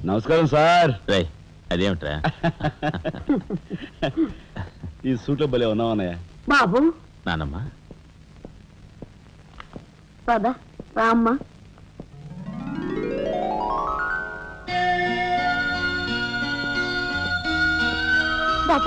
నమస్కారం సార్. అదేమిట్రా ఈ సూట్లో భలే ఉన్నావన్నయ్య. బాబు నానమ్మ పద రామ్మ. బాబు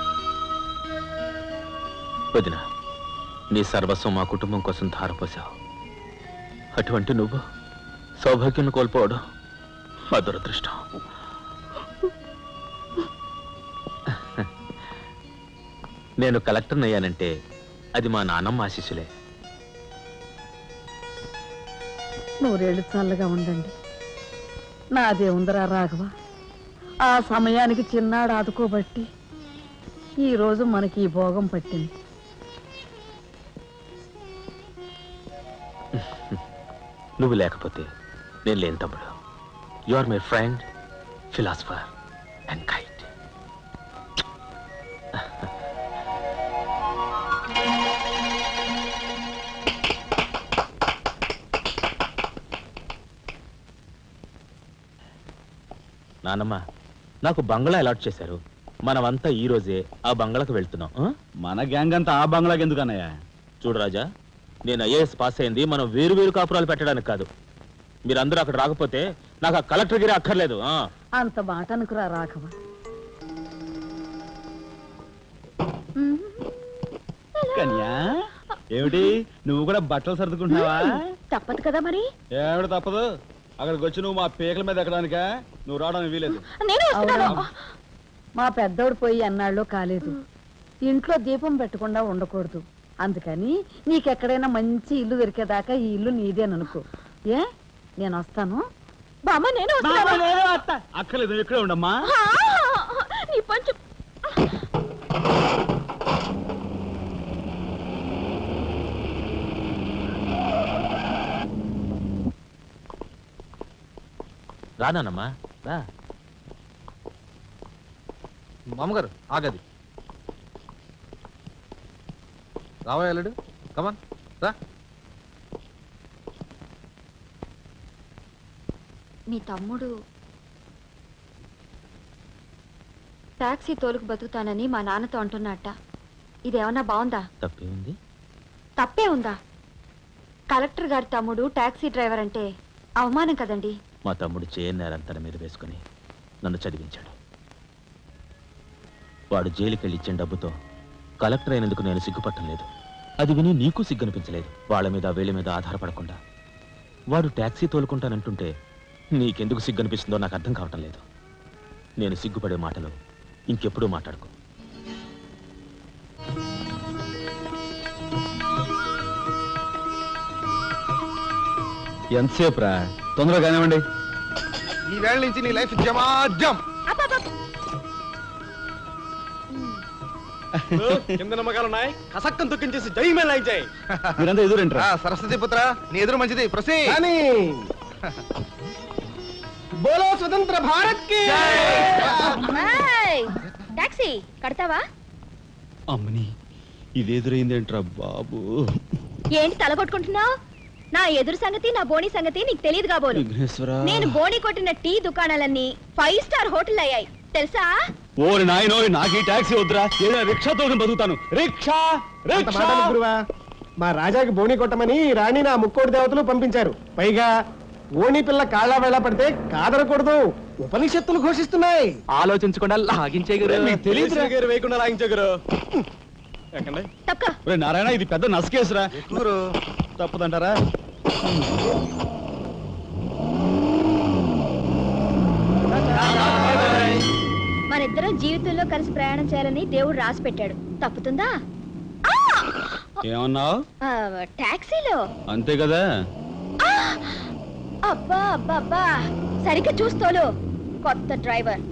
వదిన, నీ సర్వస్వం మా కుటుంబం కోసం ధారపోసావు. అటువంటి నువ్వు సౌభాగ్యం కోల్పోవడం మా దురదృష్టం. నేను కలెక్టర్ అయ్యానంటే అది మా నాన్నమ్మ ఆశీస్సులే. నూరేళ్ళు చల్లగా ఉండండి. నాదే ఉందరా రాఘవ. ఆ సమయానికి చిన్నాడు ఆదుకోబట్టి ఈరోజు మనకి ఈ భోగం పట్టింది. నువ్వు లేకపోతే నేను లేని తమ్ముడు. You are my friend, philosopher and guide. నానమ్మ, నాకు బంగ్లా అలాట్ చేశారు. మనమంతా ఈ రోజే ఆ బంగ్లాకు వెళ్తున్నాం. మన గ్యాంగ్ అంతా ఆ బంగ్లాకి ఎందుకన్నయ్య? చూడు రాజా, నేను ఐఏఎస్ పాస్ అయింది మనం వేరు వేరు కాపురాలు పెట్టడానికి కాదు. మీరందరూ అక్కడ రాకపోతే నాకు ఆ కలెక్టర్ గిరి అక్కర్లేదు. అంత మాట అనుకురా రాఘవ. కన్యా, ఏమిటి నువ్వు కూడా బట్టలు సర్దుకుంటున్నావా? తప్పదు కదా మరి. ఏమిటి తప్పదు? అక్కడికి వచ్చి నువ్వు మా పీకల మీద ఎక్కడానికా? నువ్వు రావడానికి వీలేదు. మా పెద్దోడు పోయి అన్నాళ్ళు కాలేదు. ఇంట్లో దీపం పెట్టకుండా ఉండకూడదు. అందుకని నీకెక్కడైనా మంచి ఇల్లు దొరికేదాకా ఈ ఇల్లు నీదేననుకో. ఏ నేను వస్తాను. బామ్మ నేను అక్కర్లేదు, నువ్వు ఇక్కడే ఉండమ్మా. రానానమ్మా రా. మామగారు ఆగది. రావా వెళ్ళడు. కమాన్ రా. మీ తమ్ముడు టాక్సీ తోలుకు బతుకుతానని మా నాన్నతో అంటున్నట్ట. ఇదేమన్నా బాగుందా? తప్పే ఉంది. తప్పే ఉందా? కలెక్టర్ గారి తమ్ముడు టాక్సీ డ్రైవర్ అంటే అవమానం కదండి. మా తమ్ముడు చేయనేరం తన మీద వేసుకుని నన్ను చదివించాడు. వాడు జైలుకెళ్ళి ఇచ్చిన డబ్బుతో కలెక్టర్ అయినందుకు నేను సిగ్గుపట్టం లేదు. అది విని నీకు సిగ్గనిపించలేదు. వాళ్ళ మీద వీళ్ళ మీద ఆధారపడకుండా వాడు టాక్సీ తోలుకుంటానంటుంటే నీకెందుకు సిగ్గనిపిస్తుందో నాకు అర్థం కావటం లేదు. నేను సిగ్గుపడే మాటలు ఇంకెప్పుడూ మాట్లాడుకో. ఎంతసేపు రా? తొందరగా కానివ్వండి. ఈ వేళ నుంచి నీ లైఫ్ జమాజం. కింద నమ్మకాలు ఉన్నాయి. కసక్కం తొక్కించేసి జై మేళ జై. మీరంతా ఎదురేంట్రా? సరస్వతి పుత్ర, నీ ఎదురు మంచిది. ప్రసీ బోలో స్వతంత్ర భారత్ కి టాక్సీ కడతావా? అమ్మని ఇదేదురైందేంట్రా బాబు? ఏంటి తలగొట్టుకుంటున్నావు? నా ఎదురు సంగతి నా బోణి సంగతి నీకు తెలియదు కాబోలు. నేను బోణి కొట్టిన టీ దుకాణాలన్నీ 5 స్టార్ హోటల్ అయ్యాయి తెలుసా? ఓరి నాయనో, నాకు ఈ టాక్సీ వద్దురా. ఏదైనా రిక్షా తోటి బతుకుతాను. రిక్షా గురువా, మా రాజాకి బోణి కొట్టమని రాణి నా ముక్కోటి దేవతలు పంపించారు. పైగా ఓణి పిల్ల కాళ్ళ వేళ పడితే కాదనకూడదు. ఉపనిషత్తులు ఘోషిస్తున్నాయి. ఆలోచించకుండా లాగించే తెలియదు వేయకుండా లాగించగరు. నారాయణ, ఇది పెద్ద నసకేసురా. తప్పదంటారా? మనిద్దరం జీవితంలో కలిసి ప్రయాణం చేయాలని దేవుడు రాసి పెట్టాడు. తప్పుతుందా? ఏమన్నావు? టాక్సీలో అంతే కదా. అబ్బా అబ్బా అబ్బా, సరిగ్గా చూస్తోలు. కొత్త డ్రైవర్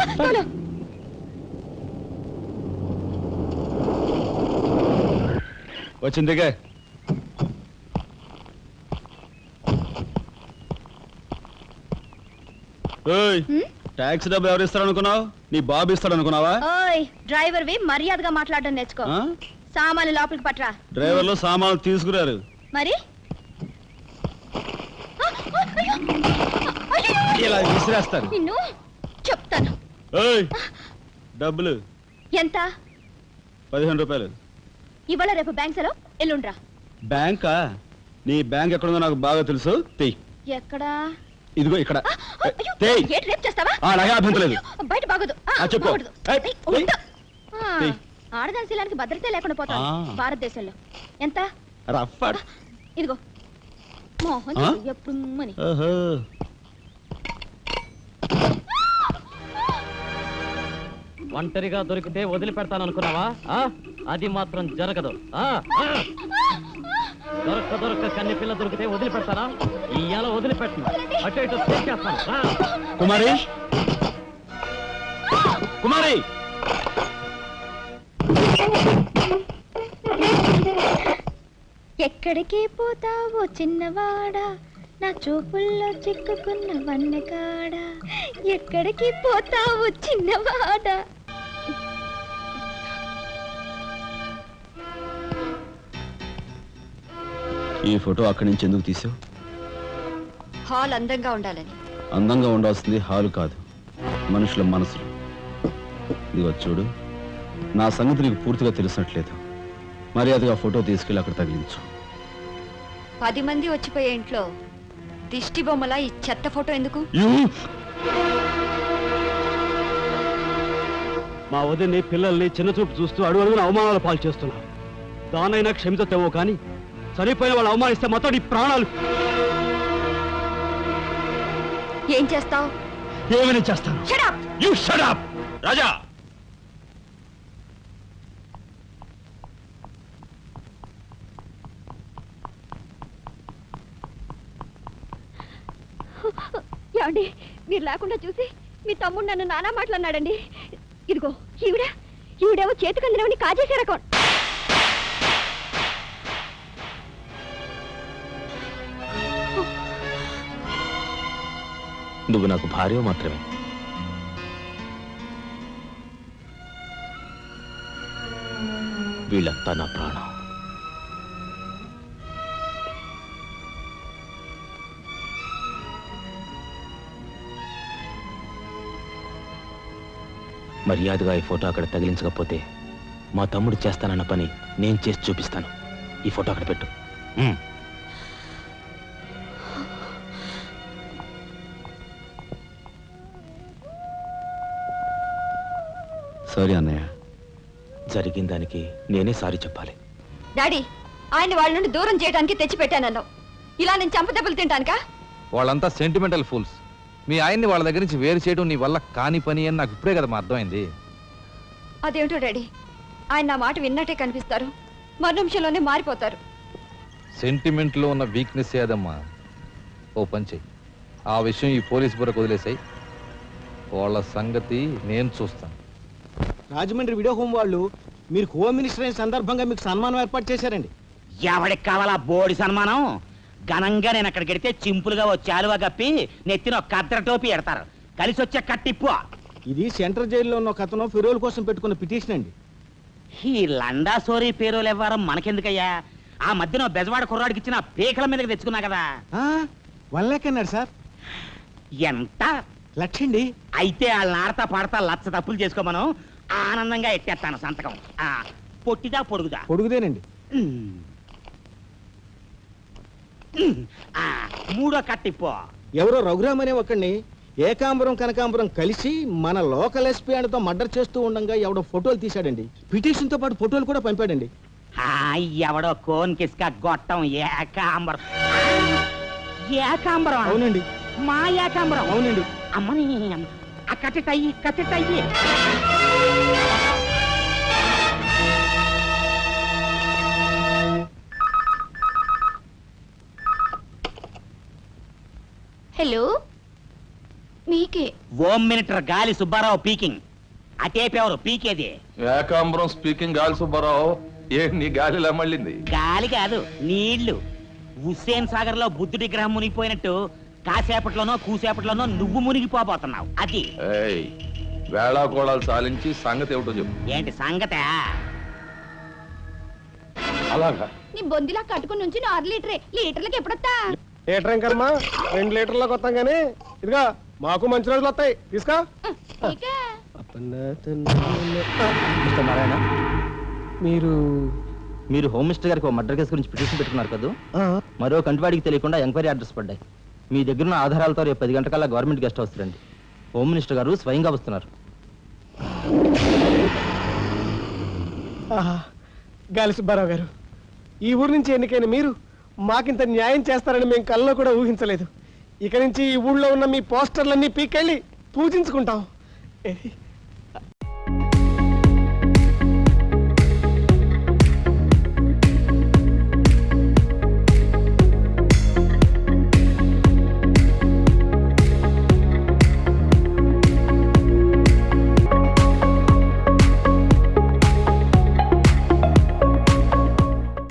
వచ్చిందిగా. టాక్సీ డబ్బు ఎవరు ఇస్తారు అనుకున్నావు? నీ బాబు ఇస్తాడు అనుకున్నావా? ఓయ్ డ్రైవర్ వి మర్యాదగా మాట్లాడడం నేర్చుకో. సామాన్లు లోపలికి పట్రా. డ్రైవర్లు సామాన్లు తీసుకురారు. మరి ఇలా విసిరేస్తాను. నిన్ను చెప్తాను. ఏయ్, డబ్బులు ఎంత? 15 రూపాయలు. ఇవాళ రేపు బ్యాంక్ సెలవు, ఎల్లుండ్రా. బ్యాంకా? నీ బ్యాంక్ ఎక్కడుందో నాకు బాగా తెలుసు. తెయ్. ఎక్కడా? ఇదిగో ఇక్కడ. అయ్యో, తెయ్. ఏంటి రేపు చేస్తావా? అలాగే అభ్యంతరం లేదు. బయట బాగోదు. చెప్పు. బాగోదు. ఏయ్, ఏయ్, తెయ్. ఉండు. తెయ్. ఆడదాని శీలానికి భద్రత లేకుండా పోతాం భారతదేశంలో. ఎంత? Rough at. ఇదిగో మోహన్ ఎప్పుడు మని. ఓహో. ఒంటరిగా దొరికితే వదిలిపెడతాను అనుకున్నావా? అది మాత్రం జరగదు. దొరక్క కన్ని పిల్ల దొరికితే వదిలిపెడతానా? ఇయ్యాల వదిలిపెట్టను, అటు ఇటు చేస్తాను. కుమారి, కుమారి, ఎక్కడికి పోతావో చిన్నవాడా, నా చూపుల్లో చిక్కుకున్న వన్నకాడ. ఎక్కడికి పోతావో చిన్నవాడా. ఈ ఫోటో అక్కడి నుంచి ఎందుకు తీసావు? హాల్ అందంగా ఉండాలని. అందంగా ఉండాల్సింది హాలు కాదు, మనుషుల మనసులు. ఇదిగో చూడు, నా సంగతి నీకు పూర్తిగా తెలిసినట్లేదు. మర్యాదగా ఫోటో తీసుకెళ్ళి అక్కడ తగిలించు. 10 మంది వచ్చిపోయే ఇంట్లో దిష్టి బొమ్మలా ఈ చెత్త ఫోటో ఎందుకు? మా వదిని పిల్లల్ని చిన్న చూపు చూస్తూ అడుగున అవమానాలు పాలు చేస్తున్నా. దానైనా క్షమితేమో కానీ చనిపోయిన వాళ్ళు అవమానిస్తే మొత్తం నీ ప్రాణాలు. ఏం చేస్తావు? ఏమైనా చేస్తాను. You shut up! రాజా, ఏమండి, మీరు లేకుండా చూసి మీ తమ్ముడు నన్ను నానా మాట్లాడినాడండి. ఇదిగో ఈవిడేమో చేతికందినవని కాజేసే రకం. నువ్వు నాకు భార్య మాత్రమే. వీళ్ళంతా నా ప్రాణం. మర్యాదగా ఈ ఫోటో అక్కడ తగిలించకపోతే మా తమ్ముడు చేస్తానన్న పని నేను చేసి చూపిస్తాను. ఈ ఫోటో అక్కడ పెట్టు. సారీ అన్నయ్య. జరిగిన దానికి నేనే సారీ చెప్పాలి. డాడీ, ఆయన వాళ్ళ నుండి దూరం చేయడానికి తెచ్చిపెట్టానన్నావు. ఇలా నేను చంపదెబ్బలు తింటానుకా? వాళ్ళంతా సెంటిమెంటల్ ఫూల్స్. మీ ఆయన్ని వాళ్ళ దగ్గర నుంచి వేరు చేయడం నీ వల్ల కాని పని అని నాకు ఇప్పుడే కదా అర్థమైంది. అదేమిటో డాడీ, ఆయన నా మాట విన్నట్టే కనిపిస్తారు, మరు నిమిషంలోనే మారిపోతారు. సెంటిమెంట్లో ఉన్న వీక్నెస్ ఏదమ్మా. ఓ పంచే, ఆ విషయం ఈ పోలీస్ బుర్రకు వదిలేసాయి. వాళ్ళ సంగతి నేను చూస్తాను. రాజమండ్రి వీడియో హోమ్ వాళ్ళు మీరు హోమ్ మినిస్టర్ అయిన సందర్భంగా మీకు సన్మానం ఏర్పాటు చేశారండి. ఎవడికి కావాలా బోడి సన్మానం? ఘనంగా నేను అక్కడికి వెడితే చింపులుగా వచ్చి ఆలువా కప్పి నెత్తిన ఒక కద్దర టోపీ ఎడతారు. కలిసి వచ్చే కట్టిప్పు. ఇది సెంట్రల్ జైల్లో ఉన్న ఒక అతను ఫిరోల్ కోసం పెట్టుకున్న పిటిషన్ అండి. ఈ లండా సోరీ పేరోలు ఇవ్వడం మనకెందుకయ్యా? ఆ మధ్యన బెజవాడ కుర్రాడికి ఇచ్చిన పీకల మీదకి తెచ్చుకున్నా కదా. 1 lakh అన్నాడు సార్. ఎంత? 1,00,000 అండి. అయితే వాళ్ళని ఆడతా పాడతా లచ్చ తప్పులు చేసుకోమను, ఆనందంగా ఎట్టేస్తాను సంతకం. పొట్టిదా పొడుగుదా? పొడుగుదేనండి. మూడో కట్టిప్పు. ఎవరో రఘురామ్ అనే ఒకడిని ఏకాంబరం కనకాంబరం కలిసి మన లోకల్ ఎస్పీ అండ్తో మర్డర్ చేస్తూ ఉండగా ఎవడో ఫోటోలు తీశాడండి. పిటిషన్ తో పాటు ఫోటోలు కూడా పంపాడండి. ఎవడో కోన్ కిస్క గొట్టం ఏకాంబరం. ఏకాంబరం? అవునండి. మా ఏకాంబరం? అవునండి. అమ్మని ఆ కట్టెటయ్యి కట్టెటయ్యి. హలో, మీకే. Home minister Gali Subbarao speaking. అటేపెవరు పీకేది? ఏకాంబరం స్పీకింగ్. గాలి సుబ్బారావు, ఏ నీ గాలిలా మళ్ళింది? గాలి కాదు, నీళ్లు. హుస్సేన్ సాగర్ లో బుద్ధుడి గ్రహం మునిగిపోయినట్టు కాసేపట్లోనో కూసేపట్లోనో నువ్వు మునిగిపోబోతున్నావు. అది వేళాకోళాలు సాలించి సంగతి ఏమిటో చెప్పు. ఏంటి సంగతే? అలాగా నీ బొందిలా కట్టుకుని నుంచి 6 లీటర్లకి ఎప్పుడొస్తా? లీటర్ ఇంకమ్మా 2 లీటర్లకు వస్తాం కానీ ఇదిగా మాకు మంచి రోజులు వస్తాయి తీసుకో. మిస్టర్ నారాయణ, మీరు మీరు హోమ్ మినిస్టర్ గారికి ఒక మర్డర్ కేసు గురించి పిటిషన్ పెట్టుకున్నారు కదా. మరో కంటివాడికి తెలియకుండా ఎంక్వైరీ అడ్రస్ పడ్డాయి. మీ దగ్గర ఉన్న ఆధారాలతో రేపు 10 గంటకల్లా గవర్నమెంట్ గెస్ట్ హౌస్ రండి. హోమ్ మినిస్టర్ గారు స్వయంగా వస్తున్నారు. గాలి సుబ్బారావు గారు, ఈ ఊరు నుంచి ఎన్నికైన మీరు మాకింత న్యాయం చేస్తారని మేము కల్లో కూడా ఊహించలేదు. ఇక నుంచి ఈ ఊళ్ళో ఉన్న మీ పోస్టర్లన్నీ పీకెళ్ళి పూజించుకుంటాం.